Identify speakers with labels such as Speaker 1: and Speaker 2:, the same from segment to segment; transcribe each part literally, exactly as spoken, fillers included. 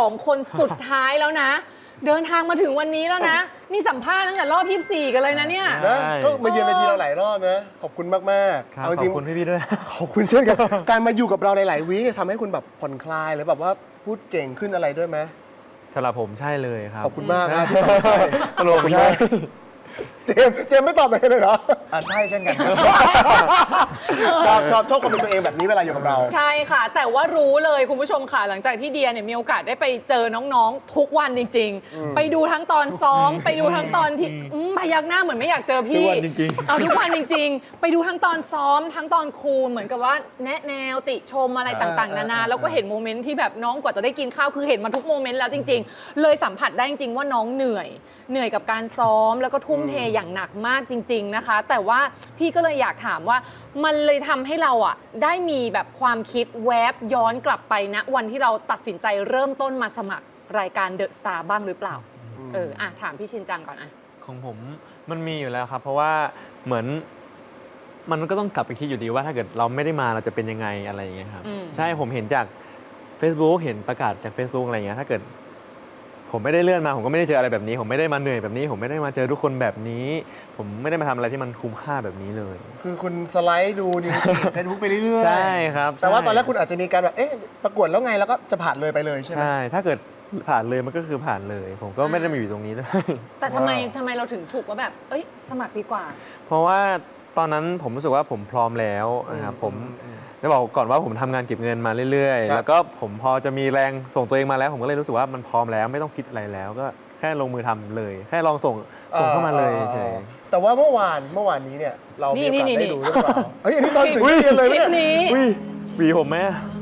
Speaker 1: องคนสุดท้ายแล้วนะ เดินทางมาถึงวันนี้แล้วนะ นี่สัมภาษณ์ตั้งแต่รอบยี่สิบสี่กันเลยนะเนี่ย
Speaker 2: นะก็มาเยือนเวทีเราหลายรอบนะขอบคุณมากๆ
Speaker 3: เอาจริงขอบคุณพี่ๆด้วย
Speaker 2: ขอบคุณเช่นกันการมาอยู่กับเราในหลายวีคเนี่ยทำให้คุณแบบผ่อนคลายหรือแบบว่าพูดเก่งขึ้นอะไรด้วยไหม
Speaker 3: สำหรับผมใช่เลยครับ
Speaker 2: ขอบคุณมากนะที่ตอบใช่
Speaker 3: ตลกใช่
Speaker 2: เจมเจมไม่ตอบเลยเลยเหรอ
Speaker 4: ใช่เช่นกัน
Speaker 2: ชอบชอบชอบความเป็นตัวเองแบบนี้เวลาอยู่กับเรา
Speaker 1: ใช่ค่ะแต่ว่ารู้เลยคุณผู้ชมค่ะหลังจากที่เดียเนี่ยมีโอกาสได้ไปเจอน้องๆทุกวันจริงๆไปดูทั้งตอนซ้อมไปดูทั้งตอนที่พยักหน้าเหมือนไม่อยากเจอพี่
Speaker 3: ทุกวันจริงๆ
Speaker 1: เอาทุกวันจริงๆไปดูทั้งตอนซ้อมทั้งตอนครูเหมือนกับว่าแนะแนวติชมอะไรต่างๆนานาแล้วก็เห็นโมเมนต์ที่แบบน้องกว่าจะได้กินข้าวคือเห็นมาทุกโมเมนต์แล้วจริงๆเลยสัมผัสได้จริงๆว่าน้องเหนื่อยเหนื่อยกับการซ้อมแล้วก็ทุ่มเทอย่างหนักมากจริงๆนะคะแต่ว่าพี่ก็เลยอยากถามว่ามันเลยทำให้เราอ่ะได้มีแบบความคิดแวบย้อนกลับไปณวันที่เราตัดสินใจเริ่มต้นมาสมัครรายการเดอะสตาร์บ้างหรือเปล่าเอออ่ะถามพี่ชินจังก่อนอ่ะ
Speaker 3: ของผมมันมีอยู่แล้วครับเพราะว่าเหมือนมันก็ต้องกลับไปคิดอยู่ดีว่าถ้าเกิดเราไม่ได้มาเราจะเป็นยังไงอะไรอย่างเงี้ยครับใช่ผมเห็นจาก Facebook เห็นประกาศจาก Facebook อะไรเงี้ยถ้าเกิดผมไม่ได้เลื่อนมาผมก็ไม่ได้เจออะไรแบบนี้ผมไม่ได้มาเหนื่อยแบบนี้ผมไม่ได้มาเจอทุกคนแบบนี้ผมไม่ได้มาทำอะไรที่มันคุ้มค่าแบบนี้เลย
Speaker 2: คือคุณสไลด์ดูนิวส์เฟซบุ๊กไปเรื่อยๆ
Speaker 3: ใช่ครับ
Speaker 2: แต่ว่าตอนแรกคุณอาจจะมีการแบบเอ๊ะประกวดแล้วไงแล้วก็จะผ่านเลยไปเลยใช่ไหม
Speaker 3: ใช่ถ้าเกิดผ่านเลยมันก็คือผ่านเลยผมก็ไม่ได้มาอยู่ตรงนี้ด้วย
Speaker 1: แต่ทำไมทำไมเราถึงฉุกว่าแบบเอ้ยสมัครดีกว่า
Speaker 3: เพราะว่าตอนนั้นผมรู้สึกว่าผมพร้อมแล้วนะครับผมจะบอกก่อนว่าผมทำงานเก็บเงินมาเรื่อยๆแล้วก็ผมพอจะมีแรงส่งตัวเองมาแล้วผมก็เลยรู้สึกว่ามันพร้อมแล้วไม่ต้องคิดอะไรแล้วก็แค่ลงมือทำเลยแค่ลองส่งส่งเข้ามาเลยเฉย
Speaker 2: แต่ว่าเมื่อวานเมื่อวานนี้เนี่ยเรามีโอกาสได้ดูหรือเปล่าเฮ้ยอันนี้ตอนถึงเรียนเลย
Speaker 1: เนี่ย
Speaker 3: อุ้ยหวีผมไหม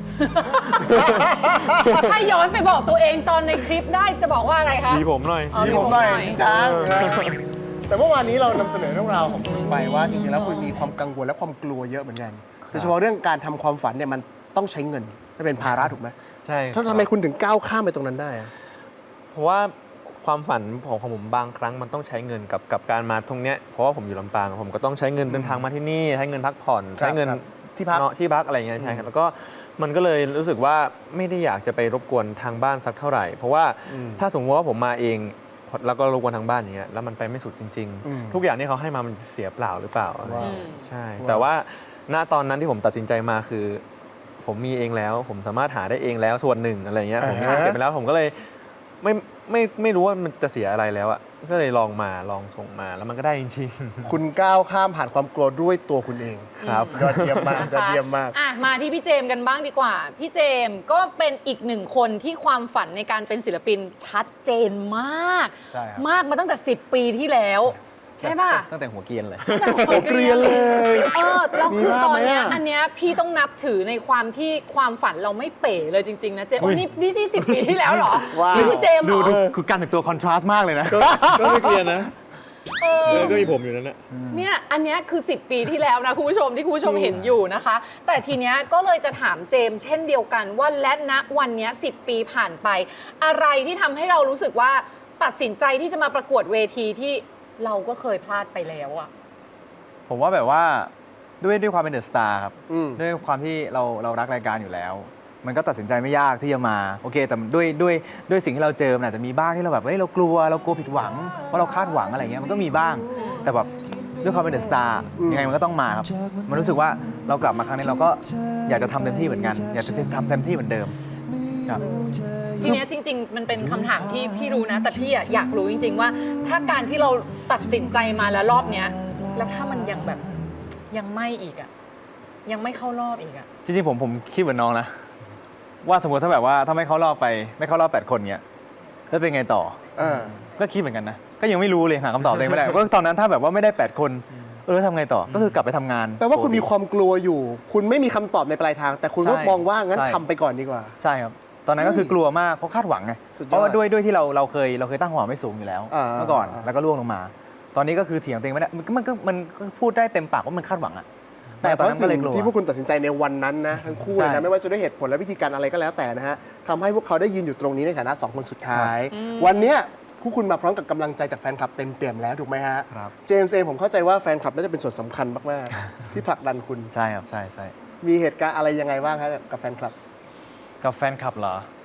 Speaker 1: ถ้าย้อนไปบอกตัวเองตอนในคลิปได้จะบอกว่าอะไรคะ
Speaker 3: หวีผมหน่อย
Speaker 2: หวีผมหน่อยจริงจังแต่เมื่อวานนี้เรานำเสนอเรื่องราวของคุณไปว่าจริงๆแล้วคุณมีความกังวลและความกลัวเยอะเหมือนกันโดยเฉพาะเรื่องการทำความฝันเนี่ยมันต้องใช้เงินไม่เป็นภาระถูกไหม
Speaker 3: ใช่
Speaker 2: ถ้าทำไมคุณถึงก้าวข้ามไปตรงนั้นได้อะ
Speaker 3: เพราะว่าความฝันของของผมบางครั้งมันต้องใช้เงินกับกับการมาตรงเนี้ยเพราะว่าผมอยู่ลำปางผมก็ต้องใช้เงินเดินทางมาที่นี่ใช้เงินพักผ่อนใช้เงิน
Speaker 2: ที่พัก
Speaker 3: ที่พักอะไรอย่างเงี้ยใช่ครับแล้วก็มันก็เลยรู้สึกว่าไม่ได้อยากจะไปรบกวนทางบ้านสักเท่าไหร่เพราะว่าถ้าสมมติว่าผมมาเองแล้วก็รบกวนทางบ้านอย่างเงี้ยแล้วมันไปไม่สุดจริงๆทุกอย่างที่เขาให้มามันเสียเปล่าหรือเปล่าใช่แต่ว่าณตอนนั้นที่ผมตัดสินใจมาคือผมมีเองแล้วผมสามารถหาได้เองแล้วส่วนหนึ่งอะไรเงี้ยผมหาเก็บไปแล้วผมก็เลยไม่ไม่ไม่รู้ว่ามันจะเสียอะไรแล้วอ่ะก็เลยลองมาลองส่งมาแล้วมันก็ได้จริง
Speaker 2: ๆคุณก้าวข้ามผ่านความกลัวด้วยตัวคุณเอง
Speaker 3: ครับ
Speaker 2: ยอดเยี่ยมมากยอดเยี่ยมมาก
Speaker 1: อ่ะมาที่พี่เจมกันบ้างดีกว่าพี่เจมก็เป็นอีกหนึ่งคนที่ความฝันในการเป็นศิลปินชัดเจนมากมากมาตั้งแต่สิบปีที่แล้วใช่ป่ะ
Speaker 4: ตั้งแต่หัวเกรียนเลย
Speaker 2: หัวเกรียนเลย
Speaker 1: เออแล้วคือตอนเนี้ยอันเนี้ยพี่ต้องนับถือในความที่ความฝันเราไม่เป๋เลยจริงๆนะเจมนี่นี่นี่สิบปีที่แล้วเหรอนี่คือเจม
Speaker 4: ดูดูคือการแต่งตัวคอนทราสต์มากเลยนะ
Speaker 3: ก็ไม่เกรียนนะก็มีผมอยู่นั่นแหละ
Speaker 1: เนี่ยอันเนี้ยคือสิบปีที่แล้วนะคุณผู้ชมที่คุณผู้ชมเห็นอยู่นะคะแต่ทีเนี้ยก็เลยจะถามเจมเช่นเดียวกันว่าและณวันเนี้ยสิบปีผ่านไปอะไรที่ทำให้เรารู้สึกว่าตัดสินใจที่จะมาประกวดเวทีที่เราก็เคยพลาดไปแล้วอะ
Speaker 4: ผมว่าแบบว่าด้วยด้วยความเป็นเดอะสตาร์ครับด้วยความที่เราเรารักรายการอยู่แล้วมันก็ตัดสินใจไม่ยากที่จะมาโอเคแต่ด้วยด้วยด้วยสิ่งที่เราเจอมันอาจจะมีบ้างที่เราแบบเฮ้ยเรากลัวเรากลัวผิดหวังเพราะเราคาดหวังอะไรเงี้ยมันก็มีบ้างแต่แบบด้วยความเป็นเดอะสตาร์ยังไงมันก็ต้องมาครับมันรู้สึกว่าเรากลับมาครั้งนี้เราก็อยากจะทำเต็มที่เหมือนกันอยากจะทำเต็มที่เหมือนเดิมครับ
Speaker 1: ทีนี้จริงๆมันเป็นคำถามที่พี่รู้นะแต่พี่อยากรู้จริงๆว่าถ้าการที่เราตัดสินใจมาแล้วรอบเนี้ยแล้วถ้ามันยังแบบยังไม่อีกอะยังไม่เข้ารอบอีกอะ
Speaker 4: จริงๆผมผมคิดเหมือนน้องนะว่าสมมติถ้าแบบว่าถ้าไม่เข้ารอบไปไม่เข้ารอบแปดคนเนี้ยแล้วเป็นไงต่อก็คิดเหมือนกันนะก็ยังไม่รู้เลยหาคำตอบเองไม่ได้ก็ตอนนั้นถ้าแบบว่าไม่ได้แปดคนเออทำไงต่อก็คือกลับไปทำงาน
Speaker 2: แปลว่าคุณมีความกลัวอยู่คุณไม่มีคำตอบในปลายทางแต่คุณก็มองว่างั้นทำไปก่อนดีกว่า
Speaker 4: ใช่ครับตอนนั้นก็คือกลัวมากเพราะคาดหวังไงเพราะว่าด้วยด้วยที่เราเราเคยเราเคยตั้งความหวังไม่สูงอยู่แล้วเมื่อก่อนแล้วก็ล่วงลงมาตอนนี้ก็คือเถียงตัวเองไม่ได้มันก็มันพูดได้เต็มปากว่ามันคาดหวังอะ
Speaker 2: แต่เพราะสิ่งที่พวกคุณตัดสินใจในวันนั้นนะทั้งคู่เลยนะไม่ว่าจะด้วยเหตุผลและวิธีการอะไรก็แล้วแต่นะฮะทำให้พวกเขาได้ยืนอยู่ตรงนี้ในฐานะสองคนสุดท้ายวันเนี้ยพวกคุณมาพร้อมกับกำลังใจจากแฟนคลับเต็มเปี่ยมแล้วถูกไหมฮะเจมส์เองผมเข้าใจว่าแฟนคลับน่าจะเป็นส่วนสำคัญมากๆที่ผลักดันคุณ
Speaker 4: ใช่ครับใช่ใช่
Speaker 2: มีเหตุการณ์อะไรยังไงบ้างครับกับแฟนคลับ
Speaker 4: กับแฟนคลับเหรอ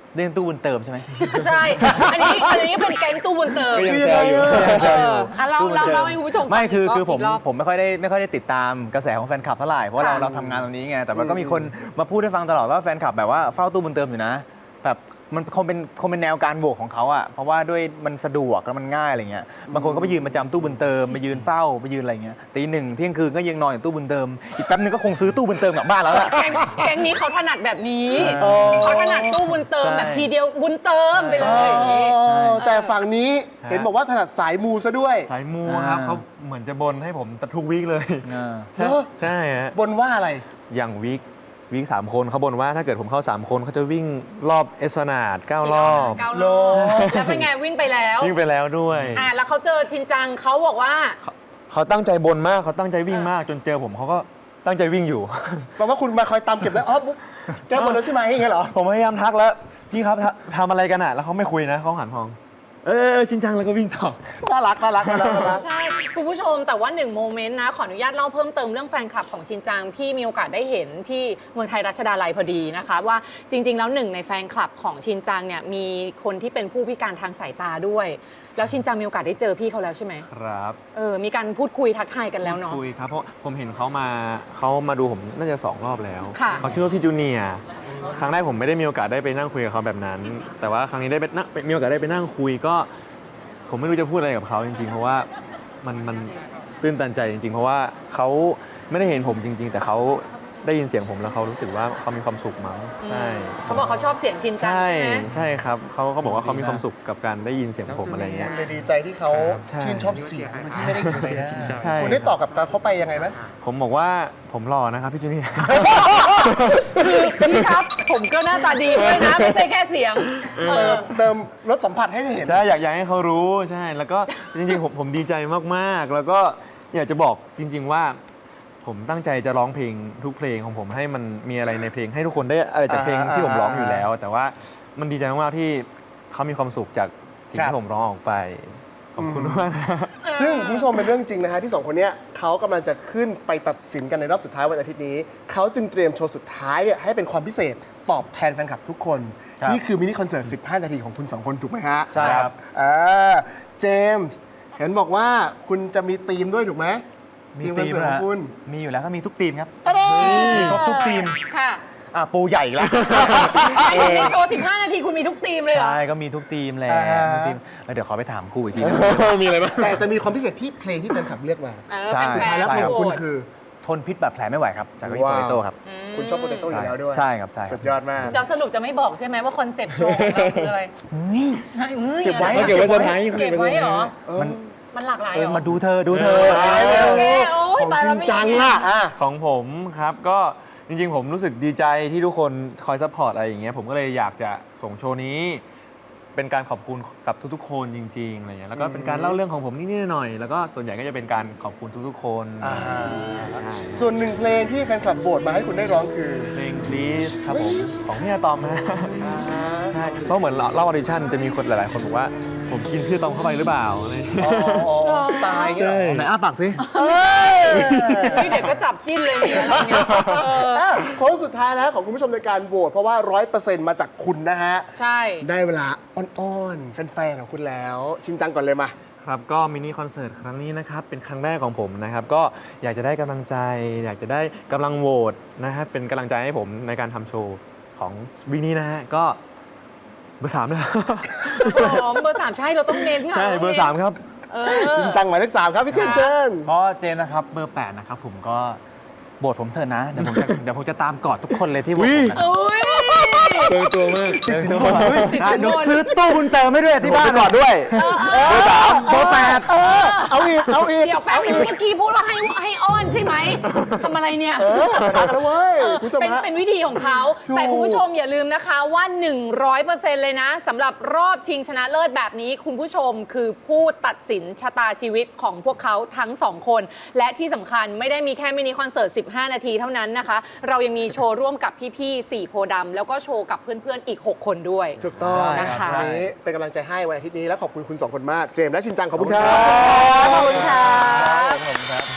Speaker 4: เรื่องตู้บุญเติมใช่ไหม
Speaker 1: ใช่ อันนี้อันนี้เป็นแก๊งตู้บุญเติม
Speaker 3: ก็ยังแซวอยู่
Speaker 1: เอออ่ะเราเราเราให้คุณผู้ชมฟัง
Speaker 4: ไม่คือ
Speaker 1: อีกรบ
Speaker 4: คือผม
Speaker 1: กรอบ
Speaker 4: ผมไม่ค่อยได้ไม่ค่อยได้ติดตามกระแสของแฟนคลับเท่าไหร่เพราะว่าเรา
Speaker 1: ค่ะ
Speaker 4: เราทำงานตรงนี้ไงแต่ว่าก็มีคนมาพูดให้ฟังตลอดว่าแฟนคลับแบบว่าเฝ้าตู้บุญเติมอยู่นะแบบมันคงเป็นคงเป็นแนวการโหวตของเขาอะเพราะว่าด้วยมันสะดวกแล้วมันง่ายอะไรเงี้ยบางคนก็ไปยืนประจำตู้บุญเติมไปยืนเฝ้าไปยืนอะไรเงี้ยตีหนึ่งเที่ยงคืนก็ยังนอนอยู่ตู้บุญเติมอีกแป๊บนึงก็คงซื้อตู้บุญเติมกลับบ้านแล้วล่ะ
Speaker 1: แก๊งแก๊งนี้เขาถนัดแบบนี้
Speaker 2: เออ
Speaker 1: เขาถนัดตู้บุญเติม
Speaker 4: ใช่
Speaker 1: แบบทีเดียวบุญเติมไปเล
Speaker 2: อ๋
Speaker 1: ยอย่างนี้
Speaker 2: อแต่ฝั่งนี้เห็นบอกว่าถนัดสายมูซะด้วย
Speaker 3: สายมูครับเขาเหมือนจะบนให้ผมทุกวีคเลย
Speaker 4: อ่า
Speaker 2: เหรอ
Speaker 3: ใช่ฮะ
Speaker 2: บนว่าอะไร
Speaker 3: อย่างวีควีคสามคนเขาบนว่าถ้าเกิดผมเข้าสามคนเขาจะวิ่งรอบเอสพลานาดเก้ารอบ
Speaker 1: เก้า
Speaker 2: โล
Speaker 1: รอบแล้วเป็นไงวิ่งไปแล้ว
Speaker 3: วิ่งไปแล้วด้วย
Speaker 1: อ่ะแล้วเขาเจอชินจังเขาบอกว่า
Speaker 3: เขาตั้งใจบนมากเขาตั้งใจวิ่งมาก จนเจอผมเขาก็ตั้งใจวิ่งอยู่
Speaker 2: แปลว่าคุณมาคอยตามเก็บได้อ๋อบุ๊กแก้บนแล้วใช่ไหมอย่างเงี้ยเหรอ
Speaker 3: ผมพยายามทักแล้ว พี่ครับทำทำอะไรกันอ่ะ แล้วเขาไม่คุยนะเขาหันมอง เออเออชินจังแล้วก็วิ่งต่อ
Speaker 2: น่ารักน่ารักน่ารักน่ารัก
Speaker 1: ใช่ คุณผู้ชมแต่ว่าหนึ่งโมเมนต์นะ ขออนุญาตเล่าเพิ่มเติมเรื่องแฟนคลับของชินจัง พี่มีโอกาสได้เห็นที่เมืองไทยรัชดาลัยพอดีนะคะ ว่าจริง ๆ แล้วหนึ่งในแฟนคลับของชินจังเนี่ยมีคนที่เป็นผู้พิการทางสายตาด้วย แล้วชินจังมีโอกาสได้เจอพี่เขาแล้วใช่ไหม
Speaker 3: ครับ
Speaker 1: เออมีการพูดคุยทักทายกันแล้วเนาะ
Speaker 3: คุยครับ เพราะผมเห็นเขามาเขามาดูผมน่าจะสองรอบแล้ว
Speaker 1: ค่ะ
Speaker 3: เขาชื่อว่าพี่จูเนียร์ครั้งแรกผมไม่ได้มีโอกาสได้ไปนั่งคุยกับเขาแบบนั้น แต่ว่าครั้งนี้ได้ไปนั่งมีโอกาสได้ไปนั่งคุยก็ ผมไม่รู้จะพูดอะไรกับเขาจริงๆ เพราะว่ามันมันตื้นตันใจจริงๆ เพราะว่าเขาไม่ได้เห็นผมจริง ๆ แต่เขาได้ยินเสียงผมแล้วเขารู้สึกว่าเขามีความสุขมั้งใช่
Speaker 1: เขาบอกเขาชอบเสียงชินจัง
Speaker 3: ใช่
Speaker 1: ใช่ไหม
Speaker 3: ใช่ครับเขาเขาบอกว่าเขามีความสุขกับการได้ยินเสียงผมอะไรเงี้ย
Speaker 2: คุณเลยดีใจที่เขา
Speaker 3: ใช่
Speaker 2: ชื่นชอบเสียงโดยที่ไม่ได้ยินใบหน้า
Speaker 3: ใช่
Speaker 2: คุณได้ตอบกับเขาไปยังไงไหม
Speaker 3: ผมบอกว่าผมหล่อนะครับพี่จูเนียร์
Speaker 1: คือพี่ครับผมก็หน้าตาดีด้วยนะ ไม่ใช่แค่เสียงเอ
Speaker 2: เติ
Speaker 1: อ
Speaker 2: มเติมรสสัมผัสให้ได้เห็น
Speaker 3: ใช่อยากอยากให้เขารู้ใช่แล้วก็จริงๆผมผมดีใจมากๆ แล้วก็อยากจะบอกจริง ๆว่า ผมตั้งใจจะร้องเพลงทุกเพลงของผมให้มันมีอะไรในเพลงให้ทุกคนได้อะไรจากเพลงที่ผมร้องอยู่แล้ว แต่ว่ามันดีใจมากๆที่เขามีความสุขจากสิ่ง
Speaker 2: ครับ
Speaker 3: ที่ผมร้องออกไปขอบคุณมากนะ
Speaker 2: ซึ่งคุณผู้ชมเป็นเรื่องจริงนะฮะที่สองคนเนี้ยเขากำลังจะขึ้นไปตัดสินกันในรอบสุดท้ายวันอาทิตย์นี้ เขาจึงเตรียมโชว์สุดท้ายเนี่ยให้เป็นความพิเศษตอบแทนแฟนคลับทุกคน
Speaker 4: ครับ
Speaker 2: นี่คือมินิคอนเสิร์ต สิบห้า นาทีของคุณสองคนถูกไหมฮะ
Speaker 4: ใช่ครับ
Speaker 2: อ่าเจมส์เห็นบอกว่าคุณจะมีธีมด้วยถูกไหม
Speaker 4: มี
Speaker 2: ธีมคอน
Speaker 4: ทีม
Speaker 2: เสิร์ตของ
Speaker 4: นะ
Speaker 2: คุณ
Speaker 4: มีอยู่แล้วก็มีทุกทีมครับ
Speaker 2: อะไร
Speaker 4: มีครบทุกทีม
Speaker 1: ค่ะ
Speaker 4: อ่ะปูใหญ่อีกแล้ว
Speaker 1: ไอ้ที่โชว์สิบห้านาทีคุณมีทุกทีมเลยเหรอ
Speaker 4: ใช่ก็มีทุกทีมแหละ
Speaker 2: อ่า
Speaker 4: ทุกทีมแล้วเดี๋ยวขอไปถามครูอีกทีนึง
Speaker 3: มีอะไรบ้าง
Speaker 2: แต่จะมีความพิเศษที่เพลงที่แฟนคลับเลือกมา
Speaker 1: เออ
Speaker 4: ใช่
Speaker 1: แฟนๆ
Speaker 2: สุดท้ายแล้วเพลงของคุณคือ
Speaker 4: ทนพิษบาดแผลไม่ไหวครับ จากวิโป
Speaker 2: ว้าว
Speaker 4: เตโต้ครับ
Speaker 2: คุณชอบโปเตโต้อยู่แล้วด้วย
Speaker 4: ใช่ครับใช่ครับ
Speaker 2: สุดยอดมาก
Speaker 1: เราสรุปจะไม่บอกใช่ไหมว่าคอนเซปต์โชว์ของเราคืออะไรเฮ้ย
Speaker 2: เก็บไว้
Speaker 1: อะร
Speaker 3: เก็บไว้เซอร์ไพรส์
Speaker 1: เก็บไว้เหรอ
Speaker 2: เออ
Speaker 4: มัน
Speaker 1: มันหลากหลาย
Speaker 4: เอ
Speaker 1: เหร
Speaker 4: อ
Speaker 1: อ
Speaker 4: มาดูเธอดูเธอ
Speaker 2: เออ
Speaker 1: โอเคโอ้ย
Speaker 2: ของ
Speaker 1: ตาย
Speaker 2: จ
Speaker 1: แล้
Speaker 2: ริ
Speaker 1: ว
Speaker 2: ง
Speaker 1: ไม่
Speaker 2: จัง
Speaker 1: อย่างเงี้ย
Speaker 2: ล่ะอ่ะ
Speaker 3: ของผมครับก็จริงๆ ผมรู้สึกดีใจที่ทุกคนคอยซัพพอร์ตอะไรอย่างเงี้ยผมก็เลยอยากจะส่งโชว์นี้ เป็นการขอบคุณกับทุกๆ คนจริงๆอะไรเงี้ยแล้วก็เป็นการเล่าเรื่องของผมนิดๆหน่อยๆแล้วก็ส่วนใหญ่ก็จะเป็นการขอบคุณทุกๆ คน
Speaker 2: อ่า
Speaker 3: ใช่
Speaker 2: ส่วนหนึ่งเพลงที่แฟนคลับโหวตมาให้คุณได้ร้องคือ
Speaker 3: เพลง Please ครับผมของพี่อาตอมนะ
Speaker 2: อ่า
Speaker 3: ใช่เพราะเหมือนเล่าออดิชั่นจะมีคนหลายๆ คนบอกว่าผมกินพี่อาตอมเข้าไปหรือเปล่าอะไรอย่างเงี้ย
Speaker 2: อ๋ออ๋ออ๋อสไตล์อย่างเงี้ยเหรอ
Speaker 4: ไหนอ้าปากสิ
Speaker 2: เอ้ย
Speaker 1: พี่เด็กก็จับจิ้นเลยนี่อะไรเงี้ยเออ
Speaker 2: อ่ะโค้งสุดท้ายแล้วของคุณผู้ชมในการโหวตเพราะว่า ร้อยเปอร์เซ็นต์ มาจากคุณนะฮะ
Speaker 1: ใช่
Speaker 2: ได้เวลาอ้อนๆ แฟนๆ ของคุณแล้ว ชินจังก่อนเลยมา
Speaker 3: ครับก็มินิคอนเสิร์ตครั้งนี้นะครับเป็นครั้งแรกของผมนะครับก็อยากจะได้กำลังใจ อยากจะได้กำลังโหวตนะครับเป็นกำลังใจให้ผมในการทำโชว์ของวีนี้นะฮะก็เบอร์สามนะ
Speaker 1: หอมเบอร์สามใช่เราต้องเน้นค่ะ
Speaker 3: ใช่เบอร์สามครับ
Speaker 1: เอ
Speaker 2: ชิ
Speaker 1: อน
Speaker 2: จังหมายเลขสามครับพี่เจนเชิญ
Speaker 4: เพราะเจนนะครับเบอร์แปดนะครับผมก็โบทผมเถอะนะ เดี๋ยวผมจะเดี๋ยวผมจะตามกอดทุกคนเลยที่โบทผมนะ
Speaker 1: อุ้ย
Speaker 3: เบอร์ตัวมาก
Speaker 4: เดี๋ยวเดี๋ยวซื้อตู้บุญเติมให้ด้วยที่บ้าน
Speaker 3: กอดด้วย
Speaker 2: เบอร์สามเบอร์แปดเออเอาอีก เอาอีก
Speaker 1: เดี๋ยวแป๊บนึงเมื่อกี้พูดว่าให้ให้อ้อนใช่ไหมทำอะไรเนี่ย
Speaker 2: เออตัดกันแล้วเว้ย
Speaker 1: เออ
Speaker 2: คุณผู้ชม
Speaker 1: เป็น
Speaker 2: ฮะ
Speaker 1: เป็นวิธีของเขา
Speaker 2: ถูก
Speaker 1: แต่คุณผู้ชมอย่าลืมนะคะว่า หนึ่งร้อยเปอร์เซ็นต์ เลยนะสำหรับรอบชิงชนะเลิศแบบนี้ คุณผู้ชมคือผู้ตัดสินชะตาชีวิตของพวกเขาทั้งสองคน และที่สำคัญไม่ได้มีแค่มินิคอนเสิร์ต สิบห้า นาทีเท่านั้นนะคะ เรายังมีโชว์ร่วมกับพี่ๆสี่โพธิ์ดำแล้วก็โชว์กับเพื่อนๆอีก หก คนด้วย
Speaker 2: ถูกต้อง
Speaker 1: นะคะ
Speaker 2: วันนี้เป็นกำลังใจให้วันอาทิตย์นี้และขอบคุณคุณสองคนมาก เจมส์และชินจังขอบคุณครับ
Speaker 1: ขอบคุณค่ะ
Speaker 4: ผมครับ